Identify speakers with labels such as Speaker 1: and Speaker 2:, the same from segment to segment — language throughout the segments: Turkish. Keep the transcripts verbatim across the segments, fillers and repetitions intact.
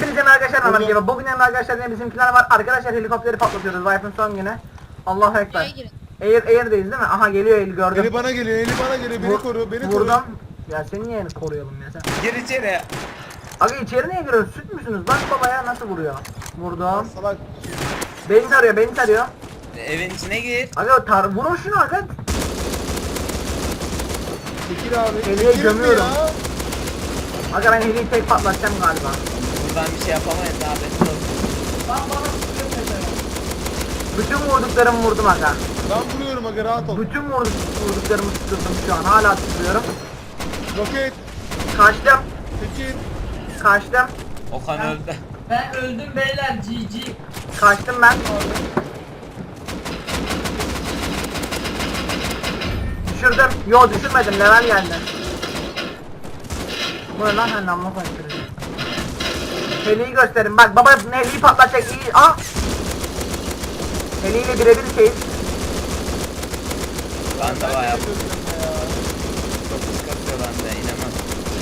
Speaker 1: Hepinize arkadaşlar merhaba diye. Bugün yanımda arkadaşlar yine bizimkiler var. Arkadaşlar helikopteri patlatıyoruz. Vibe'ın son günü. Allahu ekber. Air Air'deyiz değil mi? Aha geliyor Eli gördüm.
Speaker 2: Eli bana geliyor, eli bana geliyor. Beni
Speaker 1: Vur-
Speaker 2: koru, beni koru.
Speaker 1: Vurdum. Ya seni niye koruyalım ya sen?
Speaker 3: Gir içeri.
Speaker 1: Aga içeri niye giriyorsun? Süt müsünüz? Bak babaya nasıl vuruyor? Vurdum.
Speaker 2: Salak.
Speaker 1: Beni tarıyor, beni tarıyor.
Speaker 3: Evin içine gir.
Speaker 1: Aga tar vurun şunu aga.
Speaker 2: Çekil abi.
Speaker 1: Eli'ye
Speaker 2: Çekil mi
Speaker 1: gömüyorum.
Speaker 2: ya?
Speaker 1: Aga ben heliyi tek patlatacağım galiba.
Speaker 3: Buradan bir şey yapamayız abi.
Speaker 1: Bütün vurduklarımı vurdum aga.
Speaker 2: Ben vuruyorum aga, rahat ol.
Speaker 1: Bütün vurduk, vurduklarımı tutturdum şu an. Hala tutuyorum.
Speaker 2: Roket.
Speaker 1: Kaçtım.
Speaker 2: Çekil.
Speaker 1: Kaçtım.
Speaker 3: Okan öldü.
Speaker 4: Ben öldüm beyler G G.
Speaker 1: Kaçtım ben. Düşürdüm. Yo düşürmedim. Level geldi. Bu ne lan sen namlu koyuyorsun. Heliyi gösterin. Bak baba heliyi patlatacak iyi. Aa. Heliyle birebir şeyiz.
Speaker 3: Ben de bayağı
Speaker 2: Çekil ya.
Speaker 3: çok sıkıntı bende inemem.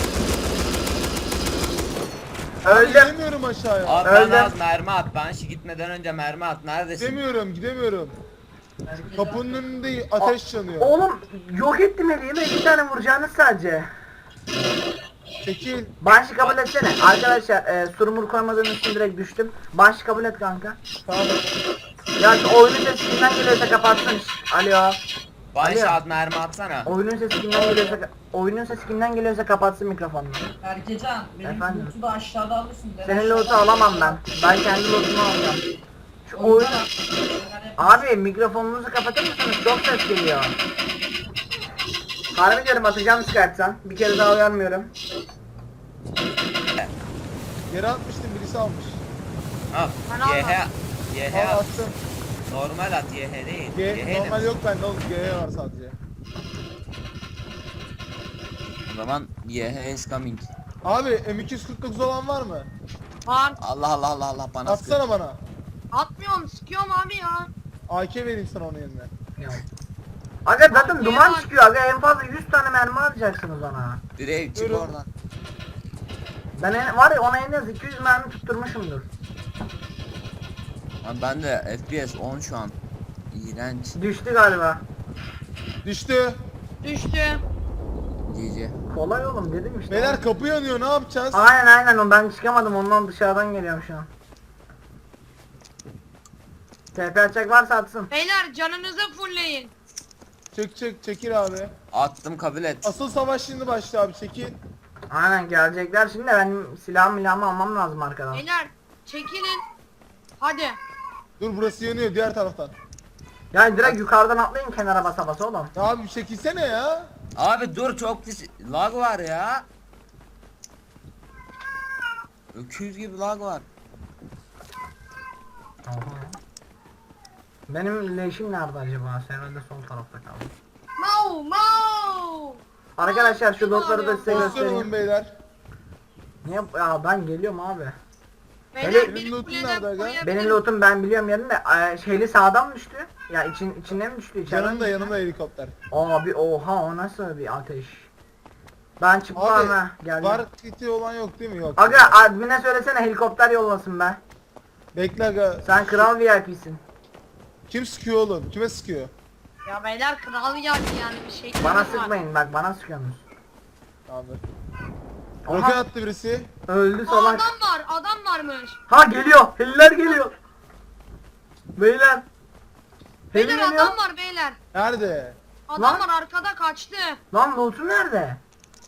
Speaker 2: Abi
Speaker 1: Öldüm.
Speaker 2: gidemiyorum aşağıya.
Speaker 3: Abi
Speaker 1: Öldüm.
Speaker 3: bana az mermi at. Ben şu gitmeden önce mermi at. Neredesin?
Speaker 2: Gidemiyorum, gidemiyorum. Kapının önünde ateş yanıyor.
Speaker 1: Oğlum yok ettim heliyi ve iki tane vuracağınız sadece.
Speaker 2: Çekil.
Speaker 1: Banşı kabul etsene. Arkadaşlar e, surumur koymadığım için direkt düştüm. Banşı kabul et kanka.
Speaker 2: Tamam.
Speaker 1: Ya şu oyunun sesi kimden geliyorsa kapatsın. Alo.
Speaker 3: Bana
Speaker 1: Alo.
Speaker 3: şu az mermi atsana.
Speaker 1: Oyunun sesi kimden geliyorsa oyunun sesi kimden geliyorsa kapatsın mikrofonunu.
Speaker 4: Berkecan benim
Speaker 1: Efendim?
Speaker 4: loot'u da aşağıda alırsın. Ben
Speaker 1: Senin
Speaker 4: aşağıda
Speaker 1: loot'u alamam ben. Ben kendi loot'umu alacağım. Şu oyun...
Speaker 4: Ondan al.
Speaker 1: Abi mikrofonunuzu kapatır mısınız? Çok ses geliyor. Harbi diyorum atacağım çıkartsan. Bir kere daha uyarmıyorum.
Speaker 2: Yere atmıştım, birisi almış.
Speaker 3: Al.
Speaker 4: Ben
Speaker 3: Y H. Y H
Speaker 2: Al
Speaker 3: at.
Speaker 2: attım.
Speaker 3: Normal at Y H değil.
Speaker 2: G,
Speaker 3: Y H
Speaker 2: normal
Speaker 3: de.
Speaker 2: yok bende oğlum, G var sadece.
Speaker 3: O zaman Y H is coming.
Speaker 2: Abi M iki yüz kırk dokuz olan var mı?
Speaker 5: Var.
Speaker 3: Allah Allah Allah Allah bana sıkıyor.
Speaker 2: Atsana bana.
Speaker 5: Atmıyorum, sıkıyorum abi ya.
Speaker 2: A K vereyim sana onun yerine.
Speaker 1: Aga zaten
Speaker 5: Abi,
Speaker 1: duman
Speaker 5: var.
Speaker 1: çıkıyor. Aga en fazla yüz tane mermi alacaksınız ona.
Speaker 3: Direkt çık
Speaker 2: Buyurun.
Speaker 3: oradan.
Speaker 1: Ben en, var ya ona en az iki yüz mermi tutturmuşumdur.
Speaker 3: Abi ben de F P S on şu an. İğrenç.
Speaker 1: Düştü galiba.
Speaker 2: Düştü.
Speaker 5: Düştü.
Speaker 3: G G.
Speaker 1: Kolay oğlum dedim işte.
Speaker 2: Beyler kapı yanıyor, ne yapacağız?
Speaker 1: Aynen aynen o ben çıkamadım ondan dışarıdan geliyorum şu an. T P açacak varsa atsın.
Speaker 5: Beyler canınızı fullleyin.
Speaker 2: Çek çek çekil abi.
Speaker 3: Attım kabul et.
Speaker 2: Asıl savaş şimdi başlıyor abi, çekil.
Speaker 1: Aynen gelecekler şimdi de benim silahımı milahımı almam lazım arkadan.
Speaker 5: Beyler çekilin. Hadi.
Speaker 2: Dur burası yanıyor diğer taraftan.
Speaker 1: Yani direkt yukarıdan atlayın kenara basa basa oğlum.
Speaker 2: Ya abi bir çekilsene ya.
Speaker 3: Abi dur çok pis lag var ya. Öküz gibi lag var.
Speaker 1: Benim leşim nerede acaba? Herhalde sol tarafta kaldı.
Speaker 5: Mau mau.
Speaker 1: Arkadaşlar şu lootları da size
Speaker 2: Pozisyon alın
Speaker 1: göstereyim.
Speaker 2: beyler.
Speaker 1: Niye? Ya ben geliyorum abi.
Speaker 5: Beyler
Speaker 1: Hele-
Speaker 5: bir
Speaker 2: Benim loot'um
Speaker 5: kuleden
Speaker 2: nerede aga?
Speaker 5: koyabilirim.
Speaker 1: Benim lootum ben biliyorum yerinde. Ee, şeyli sağdan mı düştü? Ya için içinden mi düştü? İçeriden mi
Speaker 2: Yanımda
Speaker 1: düştü?
Speaker 2: yanımda helikopter.
Speaker 1: Abi oha o nasıl bir ateş? Ben çıktım
Speaker 2: Abi
Speaker 1: ha geldim.
Speaker 2: var kiti olan yok değil mi? Yok.
Speaker 1: Aga admine söylesene helikopter yollasın be.
Speaker 2: Bekle aga.
Speaker 1: Sen kral V I P'sin.
Speaker 2: Kim sıkıyor oğlum? Kime sıkıyor?
Speaker 5: Ya beyler kral geldi yani bir şey.
Speaker 1: Bana
Speaker 5: var.
Speaker 1: sıkmayın bak bana sıkıyorsunuz.
Speaker 2: Abi.
Speaker 1: Aha.
Speaker 2: Roket attı birisi.
Speaker 1: Öldü
Speaker 5: Aa,
Speaker 1: salak.
Speaker 5: adam var, adam varmış.
Speaker 1: Ha geliyor. Heliler geliyor. Beyler. Heli
Speaker 5: Beyler
Speaker 1: geliyor.
Speaker 5: adam var beyler.
Speaker 2: Nerede?
Speaker 5: Adam
Speaker 1: Lan.
Speaker 5: var arkada kaçtı.
Speaker 1: Lan loot'un nerede?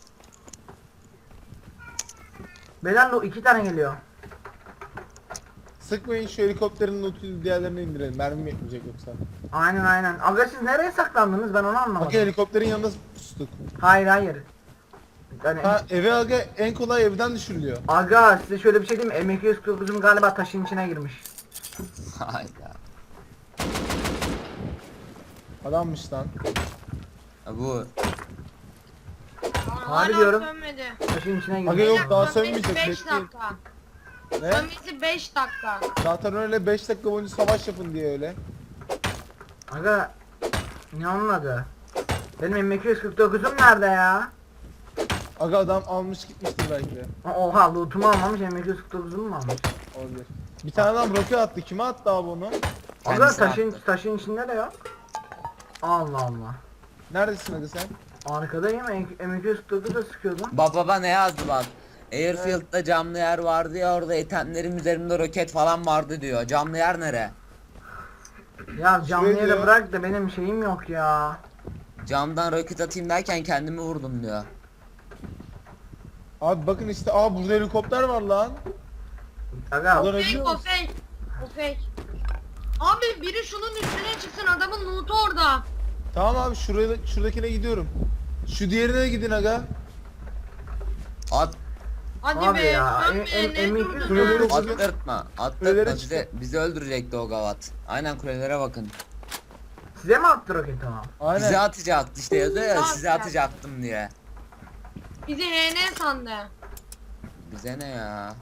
Speaker 1: Beyler lo iki tane geliyor.
Speaker 2: Sıkmayın şu helikopterin lootunu, diğerlerini indirelim. Mermim yetmeyecek yoksa.
Speaker 1: Aynen aynen. Aga siz nereye saklandınız ben onu anlamadım.
Speaker 2: Aga helikopterin yanında pustuk.
Speaker 1: Hayır hayır. Yani,
Speaker 2: Ha eve aga en kolay evden düşürülüyor.
Speaker 1: aga size şöyle bir şey diyeyim mi? M iki yüz kırk dokuzum galiba taşın içine girmiş.
Speaker 3: Hayda.
Speaker 2: Adammış lan.
Speaker 3: Ya bu
Speaker 5: Aa,
Speaker 1: Harbi
Speaker 5: hala
Speaker 1: diyorum.
Speaker 5: sönmedi.
Speaker 1: Taşın içine girmiş.
Speaker 2: Aga yok,
Speaker 5: Beyler,
Speaker 2: daha
Speaker 5: sönmesi
Speaker 2: sönmeyecek,
Speaker 5: beş
Speaker 2: bekleyin.
Speaker 5: dakika.
Speaker 2: Ne?
Speaker 5: Sönmesi beş dakika.
Speaker 2: Zaten öyle beş dakika boyunca savaş yapın diye öyle.
Speaker 1: Aga ne anladı? Benim M iki yüz kırk dokuzum nerede ya?
Speaker 2: Aga adam almış gitmiştir belki de.
Speaker 1: Oha loot'umu almamış, M iki yüz kırk dokuzumu mu almış?
Speaker 2: Olabilir. Bir tane adam roket attı. Kime attı abi onu?
Speaker 1: Aga
Speaker 3: Kendisi
Speaker 1: taşın,
Speaker 3: attı.
Speaker 1: taşın içinde de yok. Allah Allah.
Speaker 2: Neredesin aga sen?
Speaker 1: Arkadayım, M iki yüz kırk dokuz da sıkıyordum.
Speaker 3: Baba baba ne yazdı bak. Airfield'da camlı yer vardı ya, orada itemlerim üzerimde roket falan vardı diyor. Camlı yer nere?
Speaker 1: Ya canlı
Speaker 2: Şuraya
Speaker 1: yere
Speaker 2: diyor.
Speaker 1: bırak da benim şeyim yok ya.
Speaker 3: Camdan roket atayım derken kendimi vurdum diyor.
Speaker 2: Abi bakın işte, aa burada helikopter var lan.
Speaker 1: Aga
Speaker 2: Ulan
Speaker 5: Fake
Speaker 2: biliyor
Speaker 5: o
Speaker 2: musun?
Speaker 5: fake. O fake. Abi biri şunun üstüne çıksın, adamın loot'u orada.
Speaker 2: Tamam abi, şuraya şuradakine gidiyorum. Şu diğerine de gidin aga.
Speaker 3: At,
Speaker 5: Hadi
Speaker 1: Abi
Speaker 5: be,
Speaker 1: ya,
Speaker 5: sen
Speaker 1: em-
Speaker 5: be,
Speaker 1: em-
Speaker 5: ne
Speaker 1: em-
Speaker 5: durdun
Speaker 2: Kuleleri
Speaker 5: ya?
Speaker 2: çıkın.
Speaker 3: attırtma.
Speaker 2: Kulelere
Speaker 3: Attırtma bize, bizi öldürecekti o gavat. Aynen kulelere bakın.
Speaker 1: size mi attı roketi o?
Speaker 2: Aynen.
Speaker 3: Bize atacaktı işte, yazıyor ya
Speaker 5: Tamam,
Speaker 3: size
Speaker 5: tamam.
Speaker 3: atacaktım diye.
Speaker 5: Bizi H N sandı.
Speaker 3: Bize ne ya?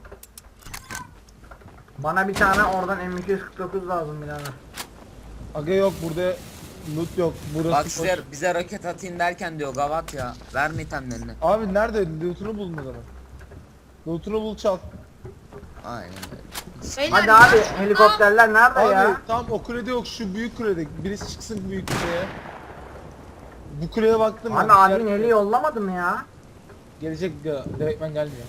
Speaker 1: Bana bir tane oradan M iki yüz kırk dokuz lazım birader.
Speaker 2: Aga yok burada loot yok. Burası
Speaker 3: Bak
Speaker 2: boş.
Speaker 3: size, bize roket atayım derken diyor gavat ya. Verme itemlerini.
Speaker 2: Abi nerede? Loot'unu bulun o zaman. Loot'unu bul, çal.
Speaker 3: Aynen öyle.
Speaker 5: Beyler,
Speaker 1: Hadi abi
Speaker 5: biraz-
Speaker 1: helikopterler nerede
Speaker 2: Abi
Speaker 1: ya?
Speaker 2: tam o kulede yok, şu büyük kulede. Birisi çıksın büyük kuleye. Bu kuleye baktım
Speaker 1: Abi
Speaker 2: ben.
Speaker 1: admin
Speaker 2: Yer-
Speaker 1: eli yollamadı mı ya?
Speaker 2: Gelecek ya, direktmen gelmiyor.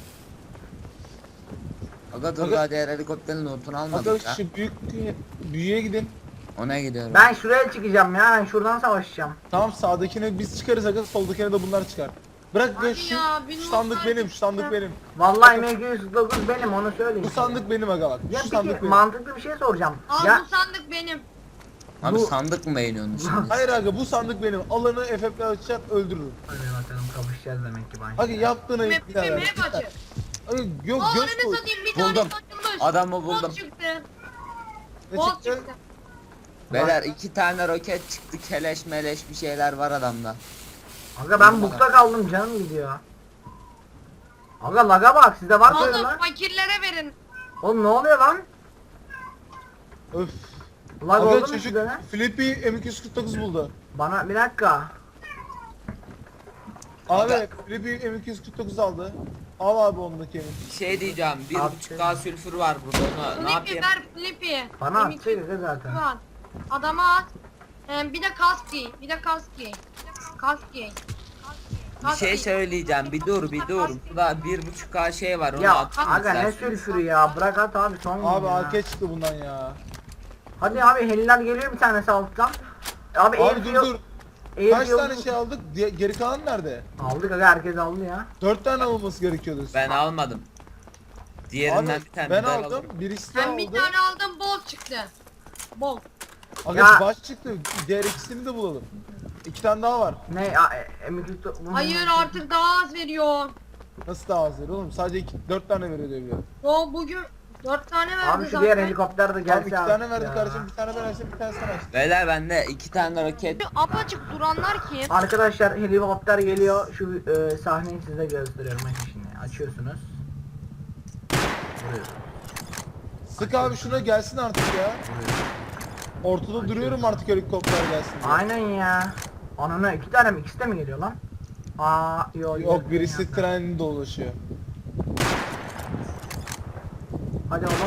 Speaker 3: Aga dur
Speaker 2: Aga-
Speaker 3: daha diğer helikopterin notunu
Speaker 2: Aga
Speaker 3: almadık ya.
Speaker 2: şu büyük büyüye gidin.
Speaker 3: Ona gidiyorum.
Speaker 1: Ben şuraya çıkacağım ya, ben şuradan savaşacağım.
Speaker 2: Tamam, sağdakine biz çıkarız aga, soldakine de bunlar çıkar. Bırak
Speaker 5: Hadi
Speaker 2: ya, şu,
Speaker 5: ya, bir
Speaker 2: şu sandık
Speaker 5: notlar
Speaker 2: benim, şu sandık
Speaker 5: çıktı.
Speaker 2: benim.
Speaker 1: Vallahi M iki yüz kırk dokuz benim, onu söyleyeyim.
Speaker 2: Bu sandık benim aga bak.
Speaker 1: Ya
Speaker 2: Şu sandık
Speaker 1: peki
Speaker 2: benim.
Speaker 1: mantıklı bir şey soracağım.
Speaker 5: Al
Speaker 1: Ya
Speaker 5: bu sandık benim.
Speaker 3: Abi
Speaker 1: bu-
Speaker 3: sandık mı beğeniyorsun şimdi?
Speaker 2: Hayır aga, bu sandık benim. Alanı F F'le açacak, öldürürüm.
Speaker 1: hadi bakalım kapışacağız demek ki ben.
Speaker 2: Aga yaptığına
Speaker 5: Map
Speaker 2: bir daha ver.
Speaker 5: map açı.
Speaker 2: Aga yok,
Speaker 5: Aa
Speaker 2: göz
Speaker 5: önüne
Speaker 2: koy.
Speaker 5: satayım, bir
Speaker 3: Buldum.
Speaker 5: tane açılmış.
Speaker 3: Adamı
Speaker 5: Bot
Speaker 3: buldum.
Speaker 5: çıktı.
Speaker 2: Ne
Speaker 5: Bot
Speaker 2: çıktı?
Speaker 5: çıktı.
Speaker 3: Beyler iki tane roket çıktı, keleş meleş bir şeyler var adamda.
Speaker 1: Aga ben bukta kaldım, canım gidiyor. Aga laga bak, sizde var mı öyle
Speaker 5: Oğlum
Speaker 1: lan?
Speaker 5: fakirlere verin.
Speaker 1: Oğlum ne oluyor lan?
Speaker 2: Öf.
Speaker 1: Lag oldu
Speaker 2: Aga
Speaker 1: mu
Speaker 2: çocuk
Speaker 1: sizde ne?
Speaker 2: Flippy M iki yüz kırk dokuz buldu.
Speaker 1: Bana bir dakika.
Speaker 2: Abi
Speaker 3: Aga.
Speaker 2: Flippy M iki yüz kırk dokuz aldı. Al abi ondaki M.
Speaker 3: Bir şey diyeceğim, bir
Speaker 1: Abi.
Speaker 3: buçuk K sülfür var burada, onu ne
Speaker 5: Flippy
Speaker 3: yapayım?
Speaker 5: ver Flippy.
Speaker 1: Bana
Speaker 5: M iki yüz
Speaker 1: atsaydı zaten.
Speaker 5: at. Adama at. Ee, bir de kask giy. Bir de kask giy. Kask giy.
Speaker 3: Bir şey söyleyeceğim, bir dur bir dur. Burada bir buçuk K şey var, onu
Speaker 1: Ya
Speaker 3: atayım
Speaker 1: aga ne
Speaker 3: istersen.
Speaker 1: sülfürü ya, bırak at abi son gün
Speaker 2: Abi
Speaker 1: ya.
Speaker 2: A K çıktı bundan ya.
Speaker 1: Hadi abi heliler geliyor bir tanesi alttan. Abi,
Speaker 2: Abi dur dur.
Speaker 1: air
Speaker 2: Kaç
Speaker 1: field-
Speaker 2: tane şey aldık? Diye- Geri kalan nerede?
Speaker 1: Aldık aga, herkes aldı ya.
Speaker 2: Dört tane alınması gerekiyordu.
Speaker 3: Ben almadım. Diğerinden
Speaker 2: Abi
Speaker 3: bir tane
Speaker 2: ben
Speaker 3: daha
Speaker 2: aldım.
Speaker 3: alalım.
Speaker 2: Birisi de
Speaker 5: Ben
Speaker 2: aldı.
Speaker 5: bir tane aldım, bol çıktı. Bol.
Speaker 2: Aga
Speaker 1: Ya-
Speaker 2: baş çıktı. Diğer ikisini de bulalım. İki tane daha var.
Speaker 1: Ne a, e, M iki yüz dokuz-
Speaker 5: Hayır artık daha az veriyor.
Speaker 2: Nasıl daha az verir oğlum? Sadece iki, dört tane veriyor diye biliyorum.
Speaker 5: O bugün dört tane verdi
Speaker 1: Abi şu
Speaker 5: zaten.
Speaker 1: diğer helikopter de
Speaker 2: Tamam
Speaker 1: gelse
Speaker 2: iki tane
Speaker 1: artık
Speaker 2: verdi
Speaker 1: ya.
Speaker 2: kardeşim. Bir tane ben açtım, bir tane sen açtın.
Speaker 3: Beyler bende iki tane roket.
Speaker 5: Şu apaçık duranlar kim?
Speaker 1: Arkadaşlar helikopter geliyor. Şu e, sahneyi size gösteriyorum. Bakın şimdi açıyorsunuz. Vuruyorsunuz.
Speaker 2: Sık abi şuna gelsin artık ya.
Speaker 1: vuruyorsunuz.
Speaker 2: Ortada duruyorum artık helikopter gelsin diye.
Speaker 1: Aynen ya. Anana iki tane mi? İkisi de mi geliyor lan? Aa yo,
Speaker 2: Yok birisi
Speaker 1: ya.
Speaker 2: treninde dolaşıyor.
Speaker 1: Hadi oğlum.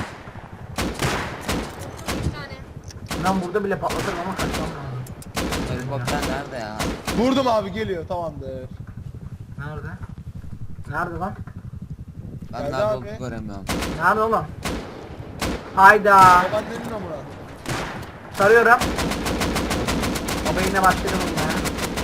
Speaker 5: Bir tane.
Speaker 1: Ben burada bile patlatırım ama kaçmam lazım.
Speaker 3: Helikopter nerede ya?
Speaker 2: Vurdum abi, geliyor, tamamdır.
Speaker 1: Nerede? Nerede lan?
Speaker 3: Ben
Speaker 2: Nerede
Speaker 3: nerede
Speaker 2: abi?
Speaker 3: olduğunu göremiyorum.
Speaker 1: Nerede oğlum? Hayda.
Speaker 2: Babaannenin amına.
Speaker 1: Sarıyorum. Baba yine başladı bunun ya.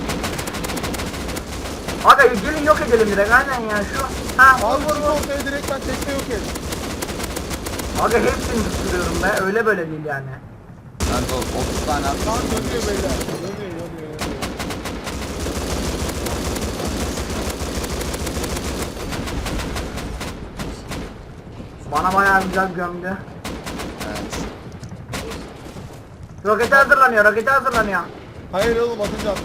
Speaker 1: Aga gelin yok edelim direkt, aynen ya şu. Ha
Speaker 2: Abi
Speaker 1: vur
Speaker 2: çık
Speaker 1: vur vur.
Speaker 2: ortaya direkt, ben tekne yok et.
Speaker 1: Aga hepsini tutturuyorum be, öyle böyle değil yani.
Speaker 3: Ben de otuz tane
Speaker 2: Lan
Speaker 3: attım.
Speaker 2: dönüyor beyler. Dönüyor dönüyor dönüyor.
Speaker 1: Bana bayağı güzel gömdü.
Speaker 3: Evet.
Speaker 1: Rokete hazırlanıyor, rokete hazırlanıyor.
Speaker 2: Hayır oğlum, atınca attı.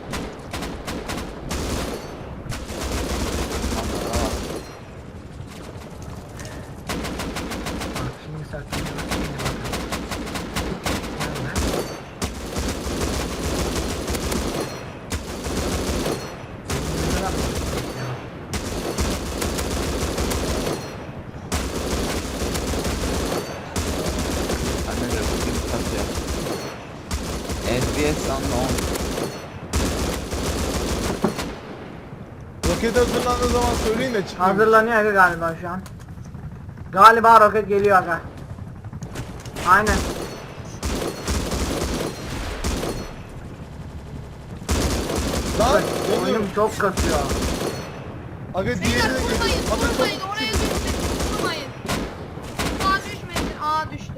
Speaker 1: Bak şimdi saklanıyor. Nerede?
Speaker 3: F P S şu anda on.
Speaker 2: Roket hazırlandığı zaman söyleyin de çıkmayayım.
Speaker 1: Hazırlanıyor aga galiba şu an. Galiba roket geliyor aga. Aynen.
Speaker 2: Lan
Speaker 1: Oyunum
Speaker 2: yanıyorum.
Speaker 1: çok kasıyor.
Speaker 2: Aga diğeri
Speaker 5: Beyler
Speaker 2: de
Speaker 5: vurmayın,
Speaker 2: geliyor. Aga
Speaker 5: vurmayın,
Speaker 2: çok
Speaker 5: oraya düşmesin, vurmayın. Aa düşmesin, aa düştü.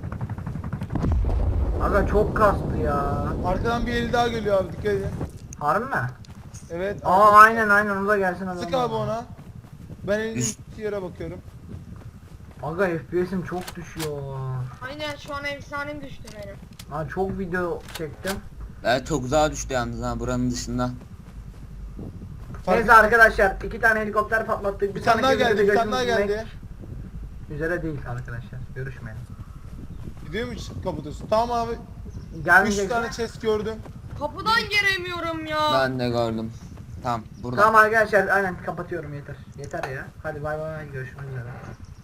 Speaker 1: Aga çok kastı ya.
Speaker 2: arkadan bir eli daha geliyor abi, dikkat edin.
Speaker 1: Harbi mi?
Speaker 2: Evet.
Speaker 1: Aa aynen aynen o da gelsin adam.
Speaker 2: Sık abi ona. Ben elin
Speaker 3: Üst-
Speaker 2: yere bakıyorum.
Speaker 1: Aga F P S'im çok düşüyor.
Speaker 5: Aynen şu an efsanem düştü benim.
Speaker 1: Ha çok video çektim.
Speaker 3: Evet çok uzağa düştü yalnız ha buranın dışında.
Speaker 2: Fark
Speaker 1: Neyse arkadaşlar iki tane helikopter patlattık.
Speaker 2: Bir tane daha
Speaker 1: sonraki
Speaker 2: geldi,
Speaker 1: videoda
Speaker 2: bir tane daha
Speaker 1: görüşmek
Speaker 2: geldi.
Speaker 1: Üzere değil arkadaşlar. Görüşmeyelim.
Speaker 2: Gidiyor mu kapatıyorsun? Tamam abi. Üç
Speaker 1: Gelmeyecek.
Speaker 2: tane chest gördüm.
Speaker 5: Kapıdan giremiyorum ya.
Speaker 3: Ben de gördüm. Tamam burada.
Speaker 1: Tamam arkadaşlar aynen kapatıyorum yeter. Yeter ya. Hadi bay bay görüşmek üzere.